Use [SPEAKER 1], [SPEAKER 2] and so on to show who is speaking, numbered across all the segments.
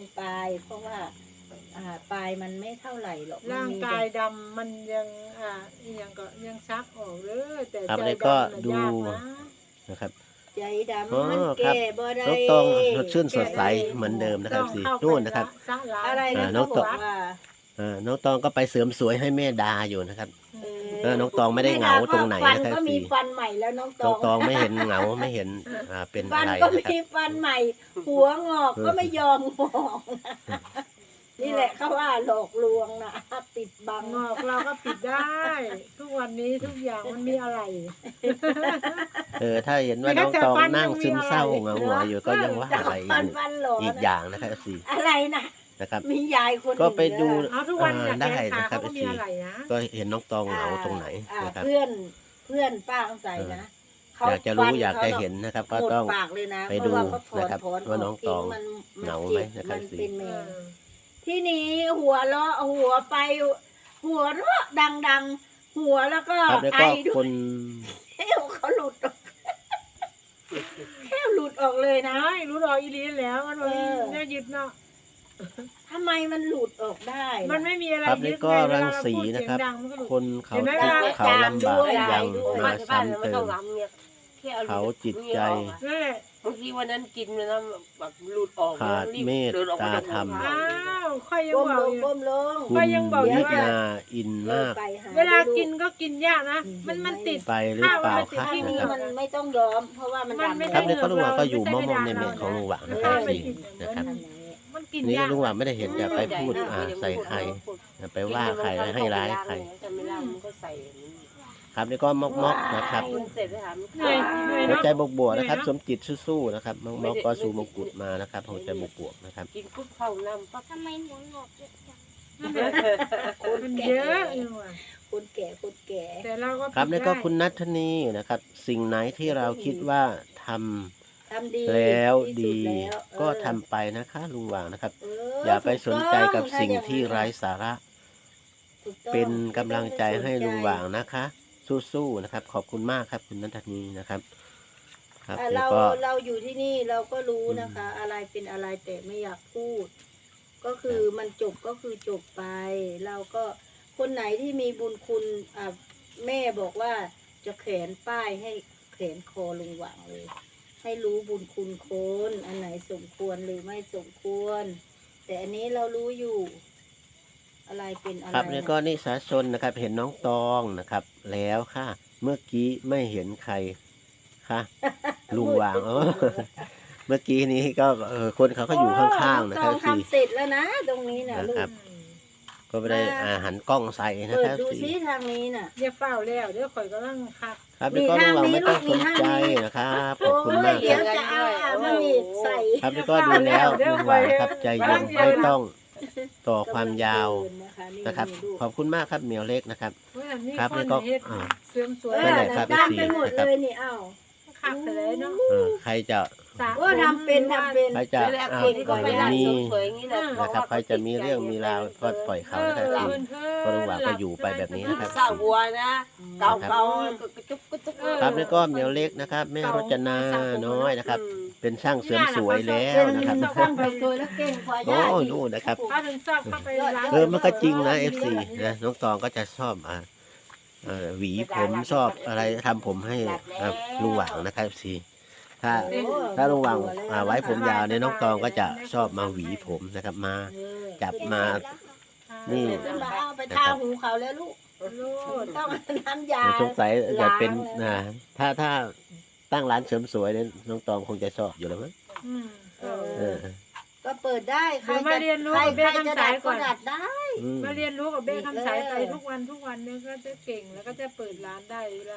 [SPEAKER 1] ปลายเพราะว่าปลายมันไม่เท่าไหร่หรอก
[SPEAKER 2] ร่างกายดำมันยังยังก็ยังซักออกเลยแต่
[SPEAKER 3] ครับ
[SPEAKER 2] ใจ
[SPEAKER 3] แล้วก็
[SPEAKER 2] ดำ
[SPEAKER 3] ดู
[SPEAKER 2] ยากนะ
[SPEAKER 3] นะครับ
[SPEAKER 1] ใจดำ
[SPEAKER 3] อ๋อ
[SPEAKER 1] มัน
[SPEAKER 3] ครับ
[SPEAKER 1] แก่บ่ได้
[SPEAKER 3] น้องตองสดชื่นสดใสเหมือนเดิมนะครับสีนู่นนะครับ
[SPEAKER 1] อะไรนะ
[SPEAKER 3] น้อง
[SPEAKER 1] เขาบ
[SPEAKER 3] ต
[SPEAKER 1] อ
[SPEAKER 3] อง
[SPEAKER 1] กว่า
[SPEAKER 3] น้องตองก็ไปเสริมสวยให้แม่ดาอยู่นะครับ
[SPEAKER 1] เออ
[SPEAKER 3] น้องตองไม่ได้เหงาตรงไหน
[SPEAKER 1] ฟัน
[SPEAKER 3] นะครับ
[SPEAKER 1] ก็มี
[SPEAKER 3] สิ
[SPEAKER 1] ฟันใหม่แล้วน้องต
[SPEAKER 3] น้
[SPEAKER 1] อ
[SPEAKER 3] อง
[SPEAKER 1] ง
[SPEAKER 3] ตองไม่เห็นเหงาไม่เห็นเป็น
[SPEAKER 1] ฟั
[SPEAKER 3] อะ
[SPEAKER 1] น
[SPEAKER 3] ไร
[SPEAKER 1] ก็
[SPEAKER 3] นะครับ
[SPEAKER 1] มีฟันใหม่ หัวงอกก็ไม่ยอมงอกนี่แหละเขาว่าหลอกลวงนะปิดบัง
[SPEAKER 2] งอกเราก็ปิดได้ ทุกวันนี้ทุกอย่างมันมีอะไร
[SPEAKER 3] ถ้าเห็นว่าน้องตองนั่งซึมเศร้าเหงาหงอยอยู่ก็ยังว่าอะไร
[SPEAKER 1] ฟันหลอ
[SPEAKER 3] อีกอย่างนะครับสิ
[SPEAKER 1] อะไรนะ
[SPEAKER 3] นะครับ
[SPEAKER 1] มียายคน
[SPEAKER 3] ก็ไปดู
[SPEAKER 2] เอาทุกวันอยาก
[SPEAKER 3] ได้
[SPEAKER 2] แก้ขา
[SPEAKER 3] นะครับ
[SPEAKER 2] เขาก็มีอะไรนะ
[SPEAKER 3] ก็เห็นน้องตองเหงาตรงไหน
[SPEAKER 1] อ่า
[SPEAKER 3] นะครับ
[SPEAKER 1] เพื่อนป้าต้องใส่นะ
[SPEAKER 3] อยากจะรู้อยากจะเห็นนะครับ ก็
[SPEAKER 1] หมด
[SPEAKER 3] ต้อง
[SPEAKER 1] ปากเลยนะ
[SPEAKER 3] ไปดู
[SPEAKER 1] เพราะว่าเขาถอน
[SPEAKER 3] นะครับ
[SPEAKER 1] ถอน
[SPEAKER 3] ว่าน้องตอง
[SPEAKER 1] มัน
[SPEAKER 3] เหงา
[SPEAKER 1] เจ็บ
[SPEAKER 3] ไหมนะครับ
[SPEAKER 1] มันเป็นแม
[SPEAKER 2] เอ
[SPEAKER 1] ว
[SPEAKER 2] อ
[SPEAKER 1] ที่นี้หัวเราะหัวไป หัวเราะดังๆ หัวแล้วก็
[SPEAKER 3] ครับแล้ว
[SPEAKER 1] ไอ
[SPEAKER 3] ก็
[SPEAKER 1] ด้
[SPEAKER 3] ค
[SPEAKER 1] วย
[SPEAKER 3] น
[SPEAKER 1] แก้วเขาหลุดออกแก้วหลุดออกเลยนะ
[SPEAKER 2] น้อยรู้รออีลีนแล้วมัน
[SPEAKER 1] เออ
[SPEAKER 2] น่ายึดเนาะ
[SPEAKER 1] ทำไมมันหลุดออกได้ล่ะ
[SPEAKER 2] มันไม่มีอะไร
[SPEAKER 3] ครับ
[SPEAKER 2] ยึ
[SPEAKER 3] นี่
[SPEAKER 2] ด
[SPEAKER 3] ก็
[SPEAKER 2] ไงเว
[SPEAKER 3] รั
[SPEAKER 2] ลาง เรา
[SPEAKER 3] สี
[SPEAKER 2] พูดเสียง
[SPEAKER 3] นะครับ
[SPEAKER 2] ดังมันก็หลุด
[SPEAKER 3] คนเขา
[SPEAKER 2] เห็นไหม
[SPEAKER 3] ทุก
[SPEAKER 2] ล่ะ
[SPEAKER 3] ข์เขาลำบากยังมาซ้ำเติม เขาจิตใจ
[SPEAKER 2] นั่นแหละ
[SPEAKER 4] บางทีวันนั้นกินมันนะแบบหลุดออก
[SPEAKER 3] ขาด
[SPEAKER 4] รีบ
[SPEAKER 3] เมต
[SPEAKER 4] ดินออก
[SPEAKER 3] ตา
[SPEAKER 4] จาก
[SPEAKER 3] ธรรม
[SPEAKER 4] ห้อง
[SPEAKER 2] อ้าวค่อยยัง
[SPEAKER 1] ก้ม
[SPEAKER 2] บอ
[SPEAKER 1] ล
[SPEAKER 2] ก
[SPEAKER 1] ง
[SPEAKER 2] อยู่
[SPEAKER 1] ก้มลง
[SPEAKER 3] คุณ
[SPEAKER 2] ก็ยังบอกอยู่
[SPEAKER 3] นิ
[SPEAKER 2] ว่า
[SPEAKER 3] นาอินมาก
[SPEAKER 1] ไปห
[SPEAKER 2] เวลา
[SPEAKER 1] ลู
[SPEAKER 2] กินก็กินยากนะ มันติด
[SPEAKER 3] ไปหรือเปล่าคะ
[SPEAKER 1] ที่
[SPEAKER 3] นะ
[SPEAKER 1] นี่
[SPEAKER 3] ครับ
[SPEAKER 1] มันไม่ต้องยอม เพราะว่ามัน
[SPEAKER 2] มัน
[SPEAKER 1] ดำ
[SPEAKER 2] ไม่
[SPEAKER 3] ครับ
[SPEAKER 2] ได้
[SPEAKER 3] นี่ก็ลุงหว่างก็อยู่
[SPEAKER 2] ไม่
[SPEAKER 3] ม
[SPEAKER 2] ใช่
[SPEAKER 3] อมๆใน
[SPEAKER 2] ไม่
[SPEAKER 3] เม
[SPEAKER 2] ได้
[SPEAKER 3] ฆของลุงหว่าง
[SPEAKER 1] เอ
[SPEAKER 3] นะ
[SPEAKER 1] อ
[SPEAKER 3] ครับ
[SPEAKER 2] ไม่
[SPEAKER 3] สิ
[SPEAKER 2] กิน
[SPEAKER 3] นะครับ
[SPEAKER 2] มันกิน
[SPEAKER 3] นี่
[SPEAKER 2] ยาก
[SPEAKER 3] ลุงหว่างไม่ได้เห็นจะไปพูดใส่ใครไปว่าใครให้ร้ายใคร
[SPEAKER 4] แต่ไม่ล่ามันก็ใส่
[SPEAKER 3] ครับนี่ก็มอกๆนะครับ
[SPEAKER 4] มันเสร็จแล้วถาม
[SPEAKER 2] เหนื่อยเหนื่อย
[SPEAKER 3] หัว
[SPEAKER 2] เนาะ
[SPEAKER 3] ใจบวกๆนะครับ สมจิตสู้ๆนะครับมอกๆก็สู่มงกุฎมานะครับหัวใจบวกๆนะครับ
[SPEAKER 4] กินปุ๊บเข้าน้ำปั๊บ
[SPEAKER 5] ทำไมหัวงอกเยอะจัง
[SPEAKER 2] นั่นแหละ
[SPEAKER 1] คน
[SPEAKER 2] มัน
[SPEAKER 1] แก่
[SPEAKER 2] เยอะอยู่อะ
[SPEAKER 1] คนแก่คนแก่
[SPEAKER 2] แต่เราก็
[SPEAKER 3] ครับ
[SPEAKER 2] ปิด
[SPEAKER 3] นี่ก็
[SPEAKER 2] ได้
[SPEAKER 3] คุณนัทธนีนะครับ สิ่งไหนที่เราคิดว่าทำ
[SPEAKER 1] ทำดี
[SPEAKER 3] แล้ว
[SPEAKER 1] ที่สุ
[SPEAKER 3] ดี
[SPEAKER 1] แล้ว
[SPEAKER 3] ก็ทำไปนะคะลุงหว่างนะครับ
[SPEAKER 1] เอ
[SPEAKER 3] อย่าไปสนใจกับ
[SPEAKER 1] ถูต้อง
[SPEAKER 3] สิ่งที่ไร้สาระ
[SPEAKER 1] ถูกต้อง
[SPEAKER 3] เป็นกำลังใจให้ลุงหว่าง
[SPEAKER 1] ไม่
[SPEAKER 3] นะคะ สู้ๆนะครับ ขอบคุณมากครับ คุณนัทธนีนะครับ ครับ
[SPEAKER 1] ต้องสนใจ
[SPEAKER 3] แล้ว
[SPEAKER 1] เรา
[SPEAKER 3] ก็
[SPEAKER 1] เราอยู่ที่นี่เราก็รู้นะคะ อะไรเป็นอะไรแต่ไม่อยากพูด ก็คือมันจบก็คือจบไป เราก็คนไหนที่มีบุญคุณแม่บอกว่าจะแขวนป้ายให้แขวนคอลุงหว่างเลย ให้รู้บุญคุณคนอันไหนสมควรหรือไม่สมควร แต่อันนี้เรารู้อยู่ อะไรเป็นอะไร
[SPEAKER 3] ครับนี่ก็นิสาชนนะครับ เห็นน้องตองนะครับ แล้วค่ะ เมื่อกี้ไม่เห็นใครค่ะ ลุงหว่างเมื่อกี้นี้ก็คนเขาก็อยู่ข้างๆนะครับ
[SPEAKER 1] ต้อง
[SPEAKER 3] สิ
[SPEAKER 1] ทำเสร็จแล้วนะ ตรงนี้นะลู
[SPEAKER 3] ครั
[SPEAKER 1] ก
[SPEAKER 3] บ ก็ไม่ได้หันกล้องใส่นะ
[SPEAKER 1] เปิ
[SPEAKER 3] ค
[SPEAKER 1] ด
[SPEAKER 3] รับ
[SPEAKER 1] ดู
[SPEAKER 3] สิ
[SPEAKER 1] ซิทางนี้น่ะ
[SPEAKER 2] อย่าเฝ้าแล้วเดี๋ยวข่อยก็ต้องคัก
[SPEAKER 3] ครับนี่ก็ลุงหว่างไม่ต้องสนใจนะครับขอบคุณมาก
[SPEAKER 1] เดี๋
[SPEAKER 3] ค
[SPEAKER 1] ยว
[SPEAKER 3] รับ
[SPEAKER 1] จะเอามาอีกใส่
[SPEAKER 3] ครับนี่ก็ดูแล้วลุงหว่างนะครับใจเย็นไม่ต้องต่อความยาวนะครับ ขอบคุณมากครับเหมียวเล็กนะครับ
[SPEAKER 2] เมื่อนี้
[SPEAKER 3] ครับ
[SPEAKER 2] คน
[SPEAKER 3] นี่ก็
[SPEAKER 2] เฮ็ดเสริมสวย
[SPEAKER 3] นั่นแหละครับ
[SPEAKER 1] ตามไปหมดเลยนี่เอ้า
[SPEAKER 2] คักไปเลยเนาะ
[SPEAKER 3] ใครจะ
[SPEAKER 2] สระ
[SPEAKER 1] ว่าทำเป็น
[SPEAKER 3] ใครจะ
[SPEAKER 4] แรกคนก็ไปร้าน
[SPEAKER 3] มี
[SPEAKER 4] เสริมสวยอย่างนี้แหละ
[SPEAKER 3] นะครับ ใครจะมีเรื่องมีราวก็ปล่อยเขานะครับสิก็ลุงหว่างก็อยู่ไปแบบนี้นะครับ
[SPEAKER 4] สาวบัวนะเก่าเก่าก็จุ๊บก็จุ๊บ
[SPEAKER 3] ครับนี่ก็เหมียวเล็กนะครับแม่รจนาน้อยนะครับ เป็นช่างเสริมสวยแล้ว
[SPEAKER 1] เป็น
[SPEAKER 3] นะครับ
[SPEAKER 1] ช่างสวยๆแล้วเก่งกว่า
[SPEAKER 3] โอ้
[SPEAKER 1] ย่าอีก
[SPEAKER 3] นู่นนะครับ
[SPEAKER 2] เขาถึงชอบเข้าไปร้าน
[SPEAKER 3] มันก็จริงนะ FC นะน้องตองก็จะชอบหวีผมชอบอะไรทำผมให้ลุงหว่างนะครับ FC ถ้าลุงหว่างไว้ผมยาวเนี่ยน้องตองก็จะชอบมาหวีผมนะครับมา จับมา นี่
[SPEAKER 1] มาเอาไปทาหูเขาแล้วลูก
[SPEAKER 2] ลูก
[SPEAKER 1] ต้องน้ำยา
[SPEAKER 3] สงสัยจะเป็นถ้าตั้งร้านเสริมสวยเนี่ยน้องตองคงจะชอบอยู่แล้วมั้ง
[SPEAKER 2] อืม
[SPEAKER 3] เออ
[SPEAKER 1] ก็เปิดได้ใคร
[SPEAKER 2] เดี๋ยวมาเรียนรู้
[SPEAKER 1] ใคร
[SPEAKER 2] เบี้ย
[SPEAKER 1] จะ
[SPEAKER 2] คำ
[SPEAKER 1] ดั
[SPEAKER 2] สาย
[SPEAKER 1] ด
[SPEAKER 2] ก่
[SPEAKER 1] ก็
[SPEAKER 2] อน
[SPEAKER 1] ดัดได้
[SPEAKER 3] อืม
[SPEAKER 2] มาเรียนรู้กับเบ้คำสายไปทุกวันเนี่ยก็จะเก่งแล้วก็จะเปิดร้านได้เวลา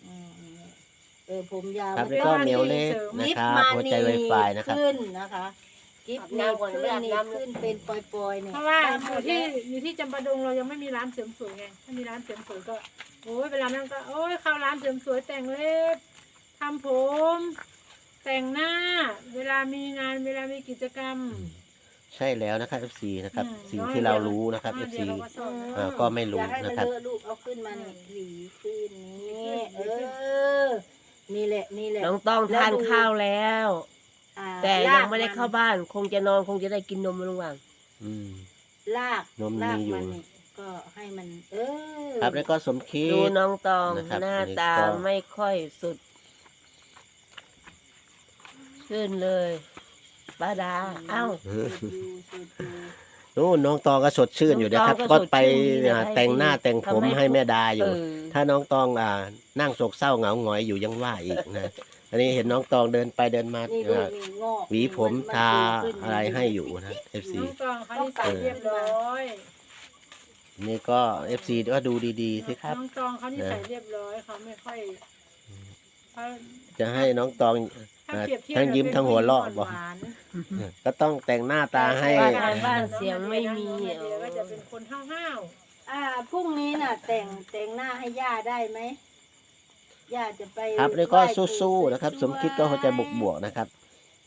[SPEAKER 1] ผมยาว
[SPEAKER 3] ครับแล้วก็เหมียวเล็กนะครับหัวใจไวไฟนะครับ
[SPEAKER 1] ขึ้นนะคะกิฟต์นี่ขึ้นเป็นปล่อยๆเนี่ย
[SPEAKER 2] เพราะว่าอยู่ที่จำปาดงเรายังไม่มีร้านเสริมสวยไงถ้ามีร้านเสริมสวยก็โอ้ยเวลานั้นก็โอ้ยเข้าร้านเสริมสวยแต่งเล็บทำผม แต่งหน้า เวลามีงานเวลามีกิจกรรม
[SPEAKER 3] ใช่แล้วนะครับ FC นะครับ สิ่งที่เรารู้นะครับ FC
[SPEAKER 2] เดี๋ยวเราก็สอน
[SPEAKER 3] ก็ไม่รู้
[SPEAKER 1] อย่าให้มั
[SPEAKER 3] นะครับ
[SPEAKER 1] เลอะลูกเอาขึ้นมานี่หวีขึ้นนี่นี่แหละ
[SPEAKER 4] น้องต้องทานข้าวแล้วแต่
[SPEAKER 1] ร
[SPEAKER 4] ยั
[SPEAKER 1] ก
[SPEAKER 4] งไม่ได้เข้าบ้าน คงจะนอนคงจะได้กินนมลุงหว่าง
[SPEAKER 3] อืม
[SPEAKER 1] ราก
[SPEAKER 3] นม
[SPEAKER 1] ราก
[SPEAKER 3] มีอยู่
[SPEAKER 1] มันนี่ก็ให้มัน
[SPEAKER 3] ครับแล้วก็สมคิด
[SPEAKER 4] ดูน้องตอง
[SPEAKER 3] นะครับ
[SPEAKER 4] หน้า
[SPEAKER 3] อันนี้
[SPEAKER 4] ตา
[SPEAKER 3] ก็
[SPEAKER 4] ไม่ค่อยสุดขึ้นเลยป้าดาเอ้า
[SPEAKER 1] สูตรอยู่
[SPEAKER 3] นู่นน้องตองก็สดชื่นอยู่นะครับ
[SPEAKER 4] น้องต
[SPEAKER 3] ก็
[SPEAKER 4] องก็
[SPEAKER 3] ไป
[SPEAKER 4] สดชื่นดีนะ
[SPEAKER 3] แต่งหน้า
[SPEAKER 4] ให้
[SPEAKER 3] แต่งผม
[SPEAKER 4] ทำให้
[SPEAKER 3] ให้แม่ดาอยู่
[SPEAKER 4] เออ
[SPEAKER 3] ถ้าน้องตองนั่งโศกเศร้าเหงาหงอยอยู่ยังว่าอีกนะ อันนี้เห็นน้องตองเดินไปเดินมา
[SPEAKER 1] นี่ดูมีงอก
[SPEAKER 3] หวีผม
[SPEAKER 1] น
[SPEAKER 3] ทา
[SPEAKER 1] ขึ้น
[SPEAKER 3] อะไรให้อยู่นะ FC
[SPEAKER 2] น้องตองเขานิสัยเรียบร้อย
[SPEAKER 3] นี่ก็ FC ก็ดูดีๆสิครับ
[SPEAKER 2] น้องตองเขานิสัยเรียบร้อยเขาไม่ค่อยเขา
[SPEAKER 3] จะให้น้องตอง
[SPEAKER 2] ถ้าเปรียบเทียบ
[SPEAKER 3] ทั้งยิ้มทั้งหัวเราะ
[SPEAKER 2] ป็น
[SPEAKER 3] บอก
[SPEAKER 2] หวาน
[SPEAKER 3] ก็ต้องแต่งหน้าตาให้
[SPEAKER 4] บ้านบ้านเสียงไม่มี
[SPEAKER 2] น้องนาเดียก็จะเป็นคนห้าว
[SPEAKER 1] พรุ่งนี้น่ะ แต่งหน้าให้ย่าได้ไหมย่าจะไป
[SPEAKER 3] ครับแล้วก็
[SPEAKER 1] ไหปู่
[SPEAKER 3] สู้ๆนะครับ สมคิดก็เขาจะบวกๆนะครับ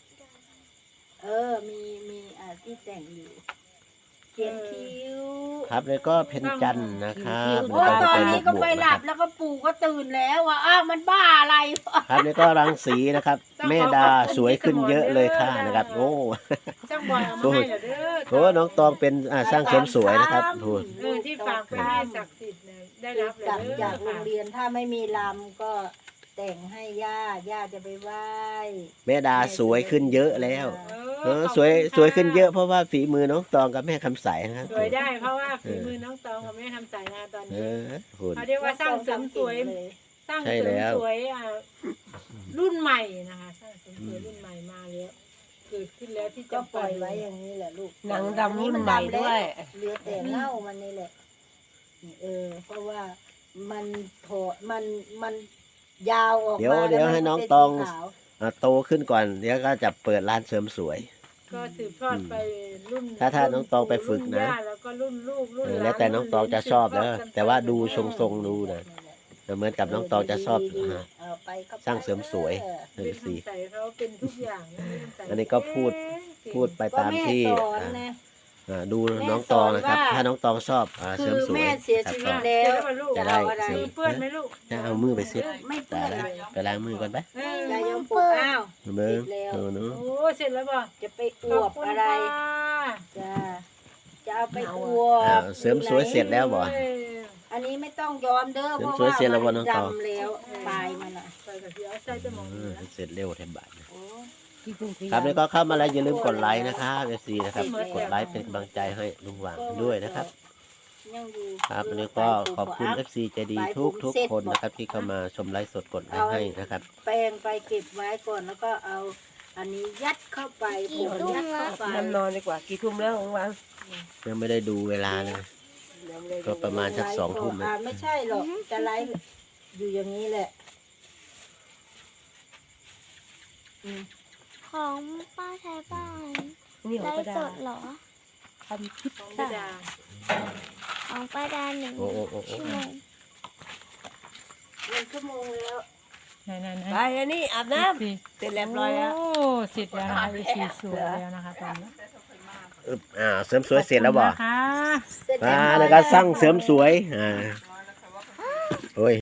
[SPEAKER 1] มีที่แต่งอยู่เขียนคิ้ว
[SPEAKER 3] ครับแล้วก็เพนจันทร์นะครับ
[SPEAKER 1] โอ้ย
[SPEAKER 3] แล้ว
[SPEAKER 1] ตอน
[SPEAKER 3] ไป
[SPEAKER 1] นี้ก็
[SPEAKER 3] บว
[SPEAKER 1] ไป
[SPEAKER 3] กๆ
[SPEAKER 1] ห
[SPEAKER 3] นะ
[SPEAKER 1] ลั
[SPEAKER 3] ครับ บ
[SPEAKER 1] แล้วก็ปู่ก็ตื่นแล้วอ่ะมันบ้าอะไรวะ
[SPEAKER 3] ครับแล้วก็รังสีนะครับ แม่ดาสวยขึ้นเยอะเลยค่ะนะครับ โอ้
[SPEAKER 2] ๆช่างบอยเอามาให้เหรอเด้อ
[SPEAKER 3] โหน้องตองเป็นสร้างเสริมสวยนะครับพูด
[SPEAKER 2] ที่ฝากไปให้ศักดิ์สิทธิ์เนี่ยได้รับเลย
[SPEAKER 1] กลับ
[SPEAKER 2] เด้อ
[SPEAKER 1] จากโรงเรียนถ้าไม่มีลำก็แต่งให้ย่าจะไปไหว้
[SPEAKER 3] แม่ดาสวยขึ้นเยอะแล้วสวยขึ้นเยอะเพราะว่าฝีมือน้องตองกับแม่คำใสนะครับ
[SPEAKER 2] สวยได้เพราะว่าฝีมือน้องตองกับแม่ทำสายงานตอน
[SPEAKER 3] เอ
[SPEAKER 2] นี้
[SPEAKER 3] อคุณ
[SPEAKER 2] เขาเรียกว่าสร้างเสริมสวย สร้างเสริมสวยรุ่นใหม่นะคะสร้างเสริมสวยรุ่นใหม่มาแล้วเกิดขึ้นแล้วที่
[SPEAKER 1] ก็
[SPEAKER 2] จะ
[SPEAKER 1] ปล่อยไว้อย่างนี้แหละลูก
[SPEAKER 4] หนังดำรุ่นใหม่ด้วย
[SPEAKER 1] เหลือแต่เง่ามันนี่แหละเพราะว่ามันถอดมันยาวออกมา
[SPEAKER 3] เดี๋ยวให้น้องตอง โตขึ้นก่อนเดี๋ยวก็จะเปิดร้านเสริมสวย
[SPEAKER 2] ก็สืบทอดไปรุ่น
[SPEAKER 3] ถ้าน้องตองไปฝึกนะ
[SPEAKER 2] รุ่ย่าแล้วก็รุ่นลูกรุ่นหลาน
[SPEAKER 3] แล้วแต่น้องตองจะชอบนะ
[SPEAKER 2] รุ่นหลาน
[SPEAKER 3] แต่ว่าดูทรงๆดูนะเหมือนกับน้องตองจะชอบ
[SPEAKER 1] เอาไปก็ไป
[SPEAKER 3] สร้างเสริมสวย
[SPEAKER 2] เป็นคำใส่เขาเป็นทุกอย่างะเป็
[SPEAKER 3] อันนี้ก็พูดไปตามที่
[SPEAKER 1] ก็แม่สอนนะ
[SPEAKER 3] ดูน้องตองนะครับ ถ้าน้องตองชอบเส
[SPEAKER 1] คื
[SPEAKER 3] ริม
[SPEAKER 1] อ
[SPEAKER 3] สวย
[SPEAKER 1] แม่เสียชีวิต
[SPEAKER 3] ครับ
[SPEAKER 1] แล้ว
[SPEAKER 3] จะได้
[SPEAKER 1] เอาอะไร
[SPEAKER 3] เสริม
[SPEAKER 2] เปื้อนไหมลูก
[SPEAKER 3] จะเอามือไปเช็ด
[SPEAKER 1] ไม่เปื้
[SPEAKER 3] ตา
[SPEAKER 1] อน
[SPEAKER 3] แล้ว
[SPEAKER 1] เลย
[SPEAKER 3] ไปล้างมือก่อนไป
[SPEAKER 1] ยายยมปลูกอ้าว
[SPEAKER 3] เบิ้ง
[SPEAKER 1] เสร็จแล้ว
[SPEAKER 3] หนู
[SPEAKER 2] โอ้เสร็จแล้วบ่
[SPEAKER 1] จะไปอ
[SPEAKER 2] ข
[SPEAKER 1] ว
[SPEAKER 2] อบบ คุณ
[SPEAKER 1] อะไร
[SPEAKER 2] ค่ะ
[SPEAKER 1] จะเอาไปอวบ
[SPEAKER 3] เสริมสวยเสร็จแล้วบ่
[SPEAKER 1] อันนี้ไม่ต้องย้อมเด้อ
[SPEAKER 3] เสริ
[SPEAKER 1] เพ
[SPEAKER 3] ม
[SPEAKER 1] ราะ
[SPEAKER 3] สวย
[SPEAKER 1] ว่า
[SPEAKER 3] เสร็จแล้วบ่
[SPEAKER 1] มั
[SPEAKER 3] น้
[SPEAKER 1] น
[SPEAKER 3] องตอง
[SPEAKER 1] ดำแล้วปลายมันอ่ะ
[SPEAKER 2] ใส่กระเทียมใส่จะมองดูนะ
[SPEAKER 3] เสร็จเร็วแทบบาทนะ
[SPEAKER 1] โอ้
[SPEAKER 3] ครับแล้วก็เข้ามาแล้วอย่าลืมกดไลค์นะครับเอฟซีนะครับกดไลค์เป็นกำลังใจให้ลุงหว่างด้วยนะครับ
[SPEAKER 1] ยังอยู่
[SPEAKER 3] ครับวันนี้ก็ขอบคุณเอฟซีใจดีทุกคนนะครับที่เข้ามาชมไลฟ์สดกดไลค์ให้นะครับ
[SPEAKER 1] แปรงไปเก็บไว้ก่อนแล้วก็เอาอันนี้ยัดเข้าไปผมยัดเข้าไป
[SPEAKER 4] น้ำนอนดีกว่ากี่ทุ่มแล้วของวัง
[SPEAKER 3] ยังไม่ได้ดูเวลาเลย ก็ประมาณสัก2 ทุ่มนะ
[SPEAKER 1] ไม่ใช่หรอกจะไลฟ์อยู่อย่างนี้แหละ
[SPEAKER 5] ของป้าไทยบ้าน
[SPEAKER 4] นี่ของ
[SPEAKER 5] ไล
[SPEAKER 4] ป้า
[SPEAKER 5] ฟ์
[SPEAKER 4] ดา
[SPEAKER 5] สดเหรอ
[SPEAKER 4] ทำคลิป
[SPEAKER 2] ของพี่ดา
[SPEAKER 5] ของป้าดาหนึ่ง
[SPEAKER 3] โอ้โอ้โอ้โอ้
[SPEAKER 5] ชั่วโมง
[SPEAKER 1] 1 ชั่วโมงแล้ว
[SPEAKER 2] ไหน
[SPEAKER 4] ไปอันนี้อาบน้ำเสร็จเรียบร้อยแล้ว
[SPEAKER 2] โอ้เสร็จแล้วนะคะสีสวยแล้วนะคะตอนนี้
[SPEAKER 3] เสริมสวยเสร็จแล้วบ่
[SPEAKER 2] ขอบคุณนะคะ
[SPEAKER 1] เสร็จเรียบร้อย
[SPEAKER 3] แล้วก็สร้างเสริมสวยโอ้ย